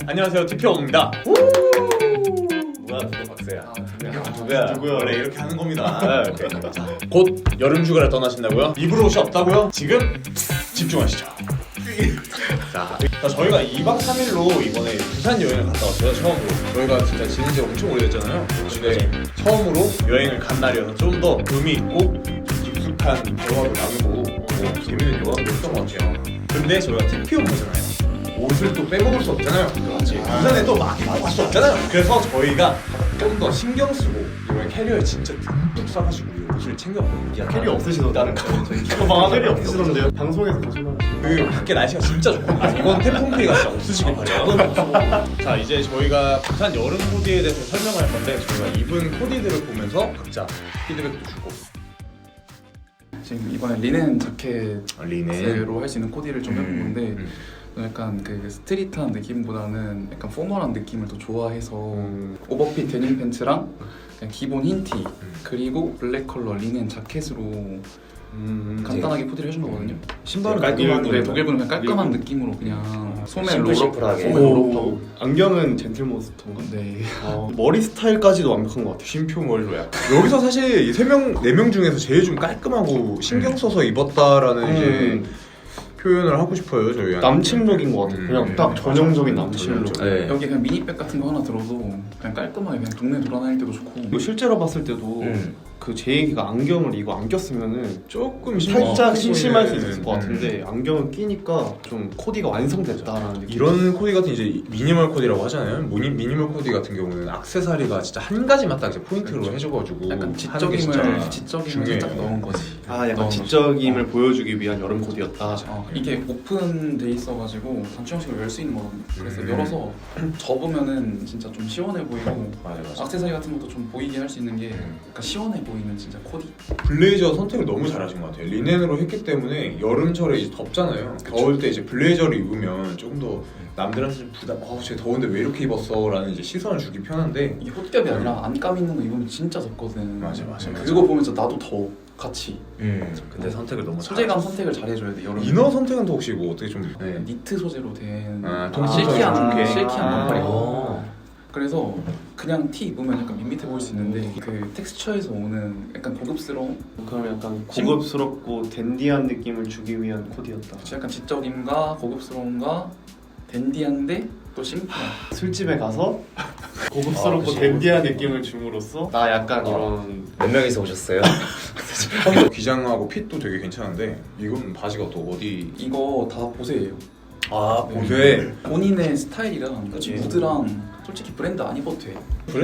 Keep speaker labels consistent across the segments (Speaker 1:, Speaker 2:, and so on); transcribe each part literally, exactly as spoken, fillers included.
Speaker 1: 안녕하세요, 티피오입니다.
Speaker 2: 뭐야, 누가 박세야?
Speaker 1: 아,
Speaker 2: 누구야?
Speaker 1: 누구야? 원래 이렇게 하는 겁니다.
Speaker 2: 아, 오케이.
Speaker 1: 곧 여름 휴가를 떠나신다고요? 입을 옷이 없다고요? 지금 집중하시죠. 자, 자, 저희가 이박 삼일로 이번에 부산 여행을 갔다 왔어요, 처음으로. 저희가 진짜 지낸 지 엄청 오래됐잖아요. 근데 처음으로 여행을 간 날이어서 좀 더 의미 있고 좀 깊숙한 대화도 나누고 뭐 재밌는 대화도 했던 것 같아요. 근데 저희가 티피오잖아요. 옷을 또 빼먹을 수 없잖아요. 그렇지. 부산에 또 막 나갈 수 없잖아요. 그래서 저희가 좀 더 신경 쓰고 이번에 캐리어에 진짜 듬뿍 싸가지고 옷을 챙겼거든요.
Speaker 2: 야, 캐리 없으시던데?
Speaker 1: 가방 하나
Speaker 2: 캐리 없으시던데요? 방송에서 거짓말.
Speaker 1: 그 밖에 날씨가 진짜 좋거든요. 이번 태풍 피해가 진짜 없으시길 바래요. 자, 이제 저희가 부산 여름 코디에 대해서 설명할 건데 저희가 입은 코디들을 보면서 각자 피드백도 주고.
Speaker 3: 지금 이번에 리넨 자켓으로
Speaker 1: 리넨.
Speaker 3: 할 수 있는 코디를 좀 해본 건데
Speaker 1: 음.
Speaker 3: 약간 그 스트릿한 느낌보다는 약간 포멀한 느낌을 더 좋아해서
Speaker 1: 음.
Speaker 3: 오버핏 데님 팬츠랑 그냥 기본 흰티
Speaker 1: 음.
Speaker 3: 그리고 블랙 컬러 리넨 자켓으로
Speaker 1: 음.
Speaker 3: 간단하게 코디를 해준 거거든요.
Speaker 1: 신발은
Speaker 2: 깔끔한
Speaker 1: 독일-
Speaker 3: 네, 독일분은 그냥 깔끔한 느낌으로 그냥 소매
Speaker 2: 심플
Speaker 3: 롤업,
Speaker 2: 심플하게.
Speaker 3: 소매 롤업하고.
Speaker 4: 안경은 젠틀몬스터인가?
Speaker 3: 네.
Speaker 4: 어, 머리 스타일까지도 완벽한 것 같아요.
Speaker 1: 쉼표 머리로 약간 여기서 사실 세 명, 네 명 중에서 제일 좀 깔끔하고 신경 써서 입었다라는
Speaker 4: 음.
Speaker 1: 이제 표현을 하고 싶어요, 저희.
Speaker 4: 남친룩인 것 같아요.
Speaker 1: 음.
Speaker 4: 그냥 딱 전형적인 남친룩.
Speaker 1: 전형적.
Speaker 2: 네.
Speaker 3: 여기 그냥 미니백 같은 거 하나 들어도 그냥 깔끔하게 그냥 동네 돌아다닐 때도 좋고.
Speaker 4: 이거 실제로 봤을 때도
Speaker 2: 음.
Speaker 4: 그 제 얘기가 안경을 이거 안 꼈으면은
Speaker 1: 조금
Speaker 4: 살짝
Speaker 1: 어,
Speaker 4: 심심할 수
Speaker 1: 보이는,
Speaker 4: 있을 것
Speaker 1: 음.
Speaker 4: 같은데 안경을 끼니까 좀 코디가 완성됐다라는 느낌.
Speaker 1: 이런 코디 같은 이제 미니멀 코디라고 하잖아요. 미니, 미니멀 코디 같은 경우는 액세서리가 진짜 한 가지만 딱 이제 포인트로 해줘가지고
Speaker 3: 약간
Speaker 1: 하는 게
Speaker 3: 지적임을
Speaker 1: 진짜
Speaker 3: 지적임을
Speaker 1: 중요해요.
Speaker 3: 살짝 넣은 거지.
Speaker 4: 아 약간
Speaker 3: 넣은 거지.
Speaker 4: 지적임을 보여주기 위한 여름 코디였다.
Speaker 3: 어, 이게 오픈돼 있어가지고 단추 형식으로 열 수 있는 거거든요. 그래서
Speaker 1: 음.
Speaker 3: 열어서 접으면은 진짜 좀 시원해 보이고
Speaker 1: 맞아 맞아.
Speaker 3: 액세서리 같은 것도 좀 보이게 할 수 있는 게 약간 시원해 보이는 진짜 코디.
Speaker 1: 블레이저 선택을 너무 잘하신 것 같아요. 리넨으로 했기 때문에 여름철에 이제 덥잖아요. 더울 때 이제 블레이저를 입으면 조금 더 남들한테 좀 부담. 어우, 쟤 더운데 왜 이렇게 입었어?라는 이제 시선을 주기 편한데.
Speaker 3: 이게 헛겹이 아니라 안감 있는 거 입으면 진짜 덥거든.
Speaker 1: 맞아, 맞아, 맞아.
Speaker 3: 그거 보면서 나도 더워 같이.
Speaker 2: 음. 근데 선택을 너무
Speaker 3: 소재감 선택을 잘 해줘야 돼 여름.
Speaker 1: 이너 선택은 또 혹시 뭐 어떻게 좀? 네.
Speaker 3: 니트 소재로 된
Speaker 1: 아,
Speaker 3: 좀
Speaker 1: 아,
Speaker 3: 실키한
Speaker 1: 좋게.
Speaker 3: 실키한
Speaker 1: 아.
Speaker 3: 반팔이고. 그래서 그냥 티 입으면 약간 밋밋해 보일 수 있는데 그 텍스처에서 오는 약간 고급스러운
Speaker 4: 그럼 약간 고급스럽고 댄디한 느낌을 주기 위한 코디였다.
Speaker 3: 약간 지적임과 고급스러움과 댄디한데 또 심플한.
Speaker 4: 술집에 가서 고급스럽고
Speaker 2: 아, 그치.
Speaker 4: 댄디한 느낌을 줌으로써 나 약간
Speaker 2: 어.
Speaker 4: 이런
Speaker 2: 몇 명이서 오셨어요?
Speaker 1: 기장하고 핏도 되게 괜찮은데 이건 바지가 또 어디?
Speaker 3: 이거 다 보세요.
Speaker 1: 아
Speaker 3: 보세. 본인의 스타일이랑
Speaker 2: 그치.
Speaker 3: 무드랑 솔직히 브랜드 안 입어도 돼.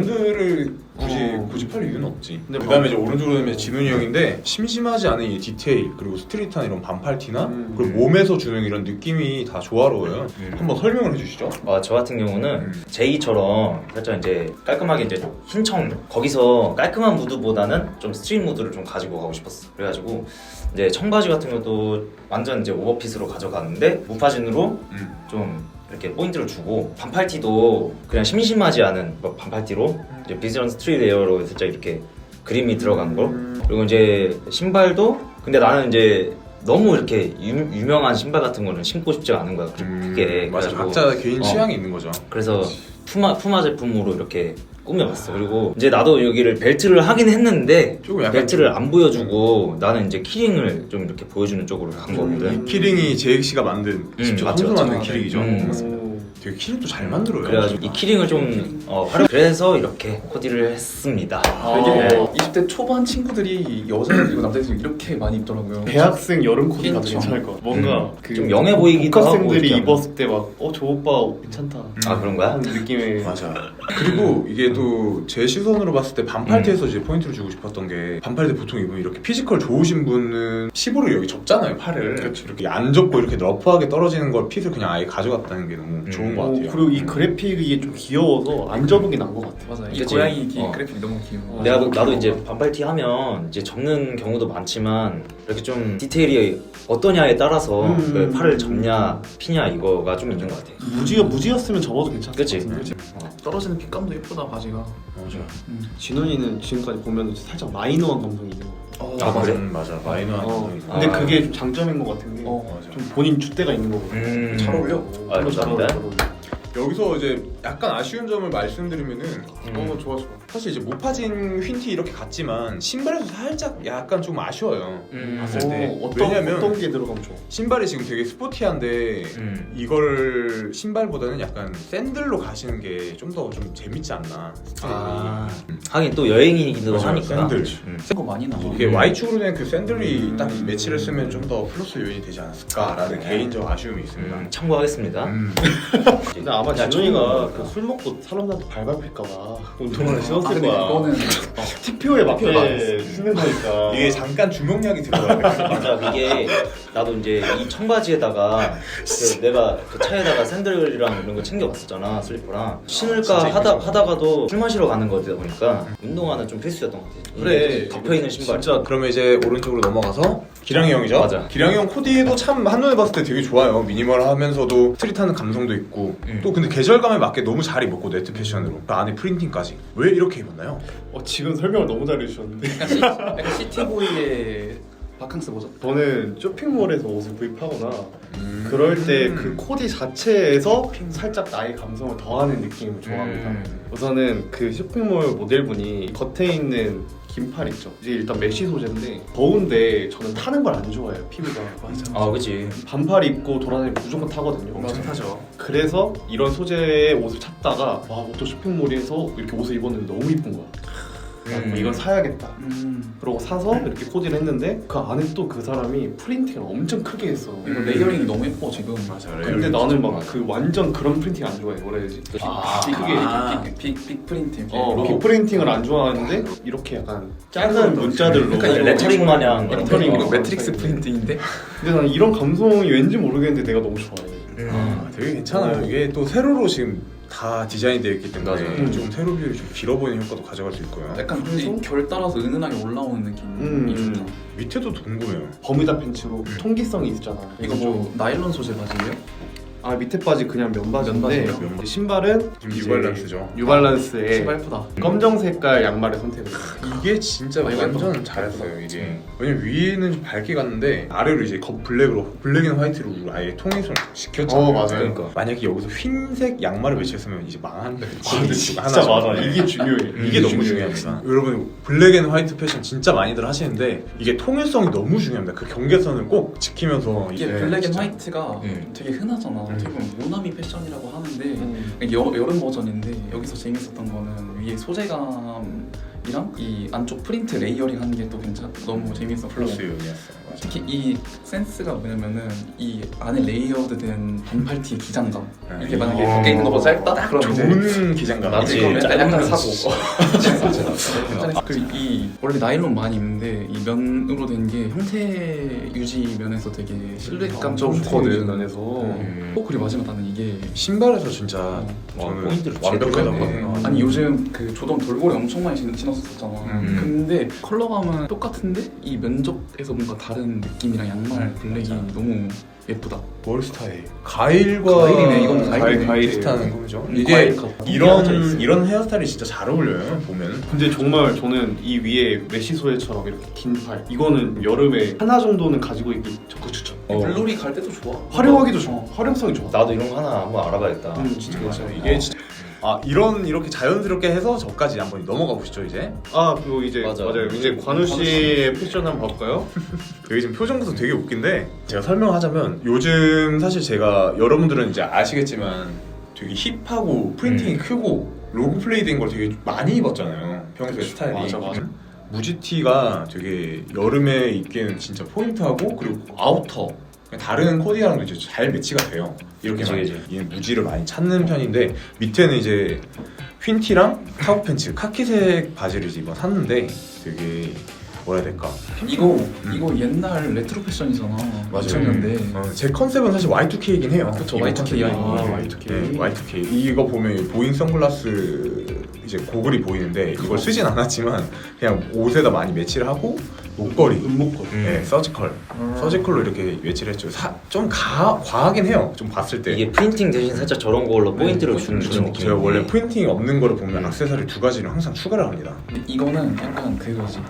Speaker 1: 브랜드를 굳이
Speaker 4: 어.
Speaker 1: 고집할 이유는 없지.
Speaker 4: 근데
Speaker 1: 그다음에 이제 오른쪽으로 보면 진훈이 형인데 심심하지 않은 이 디테일 그리고 스트릿한 이런 반팔티나
Speaker 4: 음.
Speaker 1: 그리고 몸에서 주는 이런 느낌이 다 조화로워요.
Speaker 2: 음.
Speaker 1: 한번 설명을 해주시죠.
Speaker 2: 어, 저 같은 경우는
Speaker 1: 음.
Speaker 2: 제이처럼 살짝 이제 깔끔하게 이제 흰청 거기서 깔끔한 무드보다는 좀 스트릿 무드를 좀 가지고 가고 싶었어. 그래가지고 이제 청바지 같은 것도 완전 이제 오버핏으로 가져가는데 무파진으로
Speaker 1: 음.
Speaker 2: 좀 이렇게 포인트를 주고 반팔티도 그냥 심심하지 않은 뭐 반팔티로 이제 비즈런 스트릿 에어로 살짝 이렇게 그림이 들어간 거. 그리고 이제 신발도 근데 나는 이제 너무 이렇게 유, 유명한 신발 같은 거는 신고 싶지가 않은 거야. 그- 그게
Speaker 1: 음, 맞아.
Speaker 2: 그래가지고
Speaker 1: 각자 개인
Speaker 2: 어.
Speaker 1: 취향이 있는 거죠.
Speaker 2: 그래서 푸마 푸마 제품으로 이렇게 꾸며봤어. 그리고 이제 나도 여기를 벨트를 하긴 했는데
Speaker 1: 조금 약간
Speaker 2: 벨트를 안 보여주고 나는 이제 키링을 좀 이렇게 보여주는 쪽으로 간 거거든.
Speaker 1: 이 키링이 제이 씨가 만든 직접
Speaker 2: 맞죠,
Speaker 1: 손으로
Speaker 2: 맞죠.
Speaker 1: 만든 키링이죠.
Speaker 2: 음.
Speaker 4: 오.
Speaker 1: 되게 키링도 잘 만들어요.
Speaker 2: 그래가지고 이 키링을 좀 어, 활용. 그래서 이렇게 코디를 했습니다.
Speaker 4: 아.
Speaker 3: 이게
Speaker 2: 네.
Speaker 3: 이십 대 초반 친구들이 여자애들이고 남자애들이 이렇게 많이 입더라고요.
Speaker 4: 대학생 여름 코디가
Speaker 3: 흰청.
Speaker 4: 괜찮을 것 같아. 뭔가
Speaker 1: 음.
Speaker 4: 그
Speaker 2: 좀 영해 보이기도 하고
Speaker 4: 복학생들이
Speaker 2: 이렇게
Speaker 4: 입었을 때 막 어 저 오빠 옷 괜찮다
Speaker 2: 아 그런 거야?
Speaker 4: 하는 느낌의
Speaker 1: 맞아. 그리고 이게 또 제 시선으로 봤을 때 반팔티에서 이제 포인트를 주고 싶었던 게 반팔티 보통 입으면 이렇게 피지컬 좋으신 분은 힙으로 여기 접잖아요, 팔을. 이렇게 안 접고 이렇게 러프하게 떨어지는 걸 핏을 그냥 아예 가져갔다는 게 너무 좋은 것
Speaker 4: 어,
Speaker 1: 같아요.
Speaker 4: 그리고 이 그래픽이 좀 귀여워서 안 접은 게 나은 것 같아.
Speaker 3: 맞아. 이
Speaker 2: 그치?
Speaker 3: 고양이 기
Speaker 2: 어.
Speaker 3: 그래픽이 너무 귀여워.
Speaker 2: 내가
Speaker 4: 어,
Speaker 2: 나도
Speaker 4: 귀여워.
Speaker 2: 이제 반팔티 하면 이제 접는 경우도 많지만 이렇게 좀 디테일이 어떠냐에 따라서
Speaker 4: 음.
Speaker 2: 그 팔을 접냐 피냐 이거가 좀 있는 것 같아.
Speaker 4: 무지가 무지였으면 접어도 괜찮을
Speaker 2: 그치?
Speaker 4: 것 같은데.
Speaker 2: 어.
Speaker 3: 떨어지는 핏감도 예쁘다 바지가.
Speaker 1: 맞아.
Speaker 3: 음.
Speaker 4: 진원이는 지금까지 보면 살짝 마이너한 감성이 있는 것 같아.
Speaker 3: 어,
Speaker 2: 아, 그래?
Speaker 1: 음, 맞아. 마이너한
Speaker 4: 어,
Speaker 1: 감성이 있어.
Speaker 4: 근데
Speaker 2: 아.
Speaker 4: 그게 좀 장점인 것 같은 게 좀
Speaker 3: 어,
Speaker 1: 맞아.
Speaker 4: 본인 잣대가 있는 거거든.
Speaker 2: 음.
Speaker 3: 잘 어울려.
Speaker 2: 아, 감사합니다.
Speaker 1: 여기서 이제 약간 아쉬운 점을 말씀드리면은
Speaker 2: 음.
Speaker 3: 어 좋아 좋아.
Speaker 1: 사실 이제 모파진 휜티 이렇게 갔지만 신발에서 살짝 약간 좀 아쉬워요.
Speaker 2: 음.
Speaker 1: 봤을 때.
Speaker 4: 어, 어떤,
Speaker 1: 왜냐면
Speaker 4: 어떤 게 들어가면 좋아?
Speaker 1: 신발이 지금 되게 스포티한데
Speaker 2: 음.
Speaker 1: 이걸 신발보다는 약간 샌들로 가시는 게 좀 더 좀 재밌지 않나 스타일이.
Speaker 2: 아, 하긴 또 여행이기도
Speaker 1: 맞아요,
Speaker 2: 하니까.
Speaker 1: 샌들.
Speaker 2: 음.
Speaker 3: 거 많이 나와.
Speaker 1: 이게 Y축으로 된 그 샌들이
Speaker 3: 음.
Speaker 1: 딱 이 매치를 쓰면 좀 더 플러스 요인이 되지 않았을까라는
Speaker 2: 네.
Speaker 1: 개인적 아쉬움이 있습니다.
Speaker 2: 음, 참고하겠습니다.
Speaker 1: 음.
Speaker 4: 근데 아마
Speaker 2: 야,
Speaker 4: 진영이가
Speaker 2: 처음
Speaker 4: 그 술 먹고 사람들한테 발밟힐까봐 운동화를
Speaker 3: 아
Speaker 4: 신었을
Speaker 3: 근데
Speaker 4: 거야.
Speaker 3: 그거는
Speaker 4: 티표에 맞게
Speaker 1: 티표에
Speaker 4: 쓰는 거니까.
Speaker 1: 이게 잠깐 주명약이 들어가야 돼.
Speaker 2: 맞아, 이게 나도 이제 이 청바지에다가 그 내가 그 차에다가 샌들이랑 이런 거 챙겨갔었잖아, 슬리퍼랑. 신을까
Speaker 1: 진짜
Speaker 2: 하다
Speaker 1: 이쁘죠.
Speaker 2: 하다가도 술 마시러 가는 거다 보니까 운동화는 좀 필수였던 것 같아.
Speaker 1: 그래.
Speaker 2: 덮여 있는 신발.
Speaker 1: 진짜 그러면 이제 오른쪽으로 넘어가서 기량이 형이죠.
Speaker 2: 맞아.
Speaker 1: 기량이 형 코디도 참 한눈에 봤을 때 되게 좋아요. 미니멀하면서도 스트릿하는 감성도 있고
Speaker 2: 음.
Speaker 1: 또 근데 계절감에 맞게 너무 잘 입었고 네트 패션으로 그 안에 프린팅까지 왜 이렇게 입었나요?
Speaker 4: 어, 지금 설명을 너무 잘해주셨는데.
Speaker 3: 약간, 시, 약간 시티보이의 바캉스 버전.
Speaker 4: 저는 쇼핑몰에서 옷을 구입하거나
Speaker 1: 음.
Speaker 4: 그럴 때 그 코디 자체에서 살짝 나의 감성을 더하는 느낌을 좋아합니다.
Speaker 2: 음.
Speaker 4: 우선은 그 쇼핑몰 모델분이 겉에 있는 긴팔 있죠. 이제 일단 메쉬 소재인데 더운데 저는 타는 걸 안 좋아해요. 피부가.
Speaker 3: 맞아.
Speaker 2: 아, 그치.
Speaker 4: 반팔 입고 돌아다니면 무조건 타거든요.
Speaker 3: 맞아 타죠.
Speaker 4: 그래서 이런 소재의 옷을 찾다가 와, 또 쇼핑몰에서 이렇게 옷을 입었는데 너무 이쁜 거야.
Speaker 2: 음.
Speaker 4: 이건 사야겠다.
Speaker 3: 음.
Speaker 4: 그러고 사서 이렇게 코디를 했는데 그 안에 또 그 사람이 프린팅을 엄청 크게 했어.
Speaker 3: 이거 레이어링이 너무 예뻐 지금.
Speaker 1: 맞아.
Speaker 4: 근데 나는 막 그 완전 그런 프린팅 안 좋아해. 뭐라 해야지?
Speaker 3: 아,
Speaker 4: 빅,
Speaker 3: 크게
Speaker 1: 아.
Speaker 3: 빅, 빅, 빅 프린팅.
Speaker 4: 어,
Speaker 3: 로고.
Speaker 4: 빅 프린팅을 안 좋아하는데 이렇게 약간 작은 문자들로
Speaker 3: 약간 이거
Speaker 2: 레터링 마냥
Speaker 4: 레터링
Speaker 3: 이거
Speaker 4: 어,
Speaker 3: 매트릭스
Speaker 4: 어,
Speaker 3: 프린팅인데.
Speaker 4: 근데 나는 이런 감성이 왠지 모르겠는데 내가 너무 좋아해.
Speaker 2: 음.
Speaker 1: 아, 되게 괜찮아요. 이게 또 세로로 지금 다 디자인이 되어 있기 때문에
Speaker 2: 맞아요.
Speaker 1: 좀 세로 뷰를 좀 길어 보이는 효과도 가져갈 수 있고요.
Speaker 3: 약간 이 결 따라서 은은하게 올라오는 느낌이
Speaker 4: 음.
Speaker 3: 좋다.
Speaker 1: 밑에도 궁금해요.
Speaker 4: 버뮤다 팬츠로 통기성이 있잖아.
Speaker 3: 이거 뭐 나일론 소재 바지예요?
Speaker 4: 아, 밑에 바지 그냥 면바지인데
Speaker 3: 면바지예요?
Speaker 1: 면바지.
Speaker 4: 신발은
Speaker 1: 지금
Speaker 4: 이제
Speaker 1: 뉴발란스죠.
Speaker 4: 뉴발란스의
Speaker 3: 신발 예쁘다.
Speaker 4: 검정 색깔 양말을 선택했어요.
Speaker 1: 이게 진짜
Speaker 3: 아, 이거
Speaker 1: 완전
Speaker 3: 예뻐.
Speaker 1: 잘했어요 이게. 왜냐면 위에는 좀 밝게 갔는데 아래로 이제 겉 블랙으로 블랙 앤 화이트로 아예 통일성을 시켰잖아요.
Speaker 4: 어, 맞아요.
Speaker 2: 그러니까.
Speaker 1: 만약에 여기서 흰색 양말을 매치했으면 이제 망한
Speaker 4: 근데 진짜 맞아. 이게 중요해.
Speaker 1: 음, 이게 너무 중요합니다. 여러분 블랙 앤 화이트 패션 진짜 많이들 하시는데 이게 통일성이 너무 중요합니다. 그 경계선을 꼭 지키면서
Speaker 3: 이게
Speaker 1: 이제
Speaker 3: 블랙 앤
Speaker 1: 진짜
Speaker 3: 화이트가
Speaker 2: 음.
Speaker 3: 되게 흔하잖아.
Speaker 1: 음.
Speaker 3: 어떻게 보면 모나미 패션이라고 하는데
Speaker 4: 음.
Speaker 3: 여, 여름 버전인데 여기서 재밌었던 거는 위에 소재감이랑 이 안쪽 프린트 레이어링 하는 게 또 괜찮 너무 재밌었고
Speaker 1: 플러스 요인이었어요. 맞아.
Speaker 3: 특히 이 센스가 뭐냐면은 이 안에 레이어드된 반팔티 기장감
Speaker 1: 네.
Speaker 3: 이게 만약에
Speaker 1: 어.
Speaker 3: 밖에 있는 것보다 짧다? 그럼 이제
Speaker 1: 좋은 기장감.
Speaker 2: 나도
Speaker 3: 이거
Speaker 2: 이제
Speaker 3: 약간, 약간
Speaker 2: 짧은
Speaker 3: 사고 그리고 이 원래 나일론 많이 입는데 이 면으로 된 게 형태 유지 면에서 되게 실루엣감 좀 좋거든.
Speaker 4: 면에서
Speaker 2: 음.
Speaker 3: 어 그리고 마지막 나는 이게
Speaker 1: 신발에서 진짜
Speaker 2: 와,
Speaker 1: 저는
Speaker 2: 포인트를
Speaker 1: 완벽하다고
Speaker 2: 제대로
Speaker 1: 봐요.
Speaker 3: 아니 요즘 그 조던 돌고래 엄청 많이 신- 신었었잖아.
Speaker 1: 음.
Speaker 3: 근데 컬러감은 똑같은데 이 면적에서 뭔가 다른 느낌이랑 양말 블랙이
Speaker 1: 맞아.
Speaker 3: 너무 예쁘다.
Speaker 1: 뭘 스타일? 가일과
Speaker 3: 가일이네, 이건 가일이네.
Speaker 1: 가일 비슷한 거죠.
Speaker 3: 음,
Speaker 1: 이게
Speaker 3: 가일 같다.
Speaker 1: 이런 이런 헤어스타일이 진짜 잘 어울려요. 보면.
Speaker 4: 근데 정말 저는 이 위에 메쉬 소재처럼 이렇게 긴 팔 이거는 여름에 하나 정도는 가지고 있기 적극 추천.
Speaker 2: 어.
Speaker 3: 물놀이 갈 때도 좋아.
Speaker 4: 활용하기도 좋아.
Speaker 3: 어.
Speaker 4: 활용성이 좋아.
Speaker 2: 나도 이런 거 하나 한번 알아봐야겠다.
Speaker 4: 음, 진짜
Speaker 1: 맞아.
Speaker 4: 괜찮아.
Speaker 1: 이게 진짜 아 이런 이렇게 자연스럽게 해서 저까지 한번 넘어가 보시죠 이제.
Speaker 4: 아, 그리고 이제
Speaker 2: 맞아.
Speaker 4: 맞아요. 이제 관우 씨의 패션 한번 볼까요?
Speaker 1: 여기 지금 표정부터 되게 웃긴데 제가 설명하자면 요즘 사실 제가 여러분들은 이제 아시겠지만 되게 힙하고 프린팅이
Speaker 2: 음.
Speaker 1: 크고 로고 플레이된 걸 되게 많이 입었잖아요. 평소에 스타일이.
Speaker 4: 맞아, 맞아.
Speaker 1: 무지티가 되게 여름에 입기에는 진짜 포인트하고 그리고 아우터 다른 코디랑도 이제 잘 매치가 돼요. 이렇게
Speaker 2: 그치,
Speaker 1: 많이
Speaker 2: 그치.
Speaker 1: 얘는 무지를 많이 찾는 편인데 밑에는 이제 휜티랑 카고 팬츠 카키색 바지를 이제 이번 샀는데 되게 뭐라 해야 될까?
Speaker 3: 이거
Speaker 1: 음.
Speaker 3: 이거 옛날 레트로 패션이잖아.
Speaker 1: 맞아요.
Speaker 3: 이천 년대.
Speaker 1: 어, 제 컨셉은 사실 와이 투 케이긴 해요.
Speaker 3: 그쵸,
Speaker 1: 이거
Speaker 3: 와이 투 케이.
Speaker 1: 컨셉이.
Speaker 3: 아,
Speaker 4: 와이 투 케이.
Speaker 1: 네, 와이 투 케이. 이거 보면 보잉 선글라스 이제 고글이 보이는데 이걸 쓰진 않았지만 그냥 옷에다 많이 매치를 하고 목걸이,
Speaker 4: 은목걸이.
Speaker 2: 음.
Speaker 1: 네, 서지컬,
Speaker 3: 음.
Speaker 1: 서지컬로 이렇게 매치를 했죠. 사, 좀 가, 과하긴 해요. 좀 봤을 때.
Speaker 2: 이게 프린팅 대신 살짝 저런 걸로 포인트를 주는
Speaker 1: 그렇죠.
Speaker 2: 그런 느낌.
Speaker 1: 제가 원래 프린팅이 없는 거를 보면
Speaker 2: 음.
Speaker 1: 액세서리 두 가지를 항상 추가를 합니다.
Speaker 3: 근데 이거는 약간 그거지.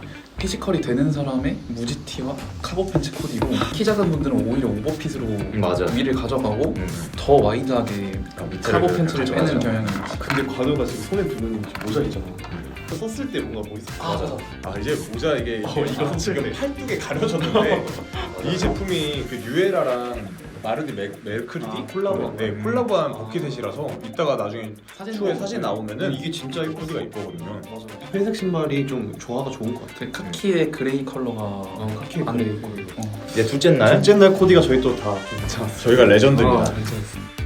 Speaker 3: 피지컬이 되는 사람의 무지티와 카고 팬츠 코디로 키 작은 분들은 오히려 오버핏으로
Speaker 2: 맞아.
Speaker 3: 위를 가져가고
Speaker 2: 음.
Speaker 3: 더 와이드하게
Speaker 2: 아, 밑에를
Speaker 3: 카고 팬츠를
Speaker 2: 그렇죠,
Speaker 3: 빼는
Speaker 2: 맞아.
Speaker 3: 경향이 있지.
Speaker 4: 근데 관우가 지금 손에 두는 모자이잖아. 썼을 때 뭔가 뭐 있었어.
Speaker 3: 아, 맞아.
Speaker 1: 아 이제 모자 이게
Speaker 4: 어, 이거
Speaker 1: 아, 지금
Speaker 4: 손질네.
Speaker 1: 팔뚝에 가려졌는데 이 제품이 그 뉴에라랑 마르디 메, 메르크리디
Speaker 3: 아,
Speaker 1: 콜라보 네 콜라보한 버킷햇이라서 이따가 나중에
Speaker 3: 사진
Speaker 1: 추후에
Speaker 3: 나오고
Speaker 1: 사진
Speaker 3: 있어요.
Speaker 1: 나오면은
Speaker 4: 이게 진짜 예쁘
Speaker 1: 코디가 이쁘거든요.
Speaker 4: 맞아. 회색 신발이 좀 조화가 좋은 것 같아.
Speaker 3: 그 카키의 그레이 컬러가
Speaker 4: 어, 카키
Speaker 3: 안
Speaker 4: 그레이.
Speaker 3: 돼. 어.
Speaker 2: 이제 둘째 날
Speaker 4: 둘째 날 코디가 저희 또 다 괜찮았어.
Speaker 1: 저희가 레전드입니다.
Speaker 3: 아, 괜찮았어.